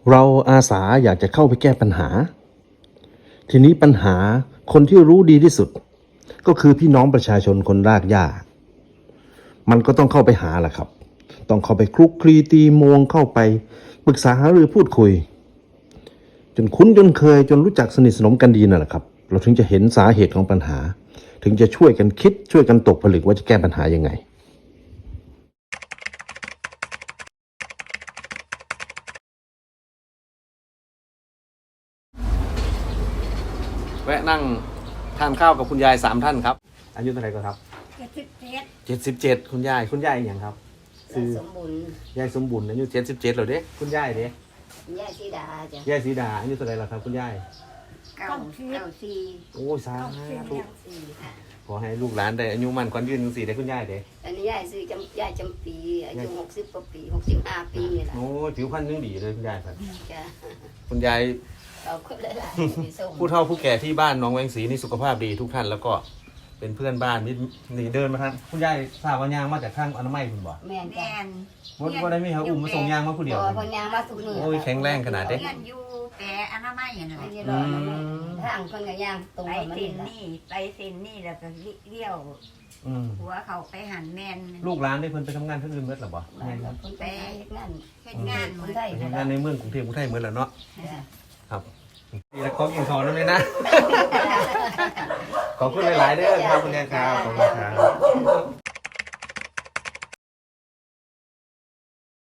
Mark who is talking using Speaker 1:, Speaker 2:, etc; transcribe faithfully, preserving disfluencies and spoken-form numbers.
Speaker 1: เราอาสาอยากจะเข้าไปแก้ปัญหาทีนี้ปัญหาคนที่รู้ดีที่สุดก็คือพี่น้องประชาชนคนรากหญ้ามันก็ต้องเข้าไปหาแหละครับต้องเข้าไปคลุกคลีตีมวงเข้าไปปรึกษาหารือพูดคุยจนคุ้นจนเคยจนรู้จักสนิทสนมกันดีนั่นแหละครับเราถึงจะเห็นสาเหตุของปัญหาถึงจะช่วยกันคิดช่วยกันตกผลึกว่าจะแก้ปัญหายังไงแวะนั่งทานข้าวกับคุณยายสามท่านครับอายุเท่าไหร่ก็ครับ
Speaker 2: เจ็ดสิบเจ็ด
Speaker 1: เจ็ดสิบเจ็ดคุณยายคุณยายอย่างครับ
Speaker 2: คือสมบูรณ์
Speaker 1: ยายสมบูรณ์อายุเจ็ดสิบเจ็ดเหรอเด้คุณยายเด้
Speaker 2: ยายสีดาจ้ะ
Speaker 1: ยายสีดาอายุเท่าไหร่ล่ะครับคุณยาย
Speaker 2: เก้าเก้าสี่
Speaker 1: โอ้สาธุ
Speaker 2: สี่ค่ะ
Speaker 1: ขอให้ลูกหลานได้อายุมั่นขวัญยืนสี่ได้คุณยายเด้
Speaker 2: อันนี้ยายซื้อจำยายจำปีอายุหกสิบกว่าปีหกสิบห้าปีนี่แหละ
Speaker 1: โอ้ผิวพรรณยังดีเลยคุณยายครับ
Speaker 2: จ้ะ
Speaker 1: คุณยาย
Speaker 2: เอาคนหลายๆ
Speaker 1: ผู้เฒ่าผู้แก่ที่บ้านหนองแวงศรีนี่สุขภาพดีทุกท่านแล้วก็เป็นเพื่อนบ้านนี่นี่เดินมาทางคุณยายทราบว่ายางมาจากทางอนามัยคุณบอก
Speaker 2: แม่นจ้ะ
Speaker 1: วันวันนี้มีเขาอุ้มมาส่งยางมาผู้เดียว
Speaker 2: พอยางมาสุกมือ
Speaker 1: โอ้ยแข็งแรงขนาดเด้
Speaker 3: เรียนอยู่แต่อนามัยอย่างไร
Speaker 2: ทางคนกับยางตรง
Speaker 3: ไป
Speaker 2: มัน
Speaker 3: เส้น
Speaker 2: นี่
Speaker 3: นี่ไปเส้นนี่แล้วก็เลี้ยว
Speaker 1: อืม
Speaker 3: หัวเขาไปหันแมน
Speaker 1: ลูกหลานได้เพิ่นไปทำงานที่อื่นเมื่อหรอบ่
Speaker 2: บ้านเราคนไปเฮ็ดงาน
Speaker 3: เฮ็ดงาน
Speaker 2: คนไทย
Speaker 1: ไปทำงานในเมืองกรุงเทพกรุงไทยเมื่อแล้วเนาะ
Speaker 2: จ้ะ
Speaker 1: ครับนี่แล้วก็กินทอนนั่นเลยนะ ขอบคุณหลายๆเด้อครับคุณยายครับขอบคุณครับ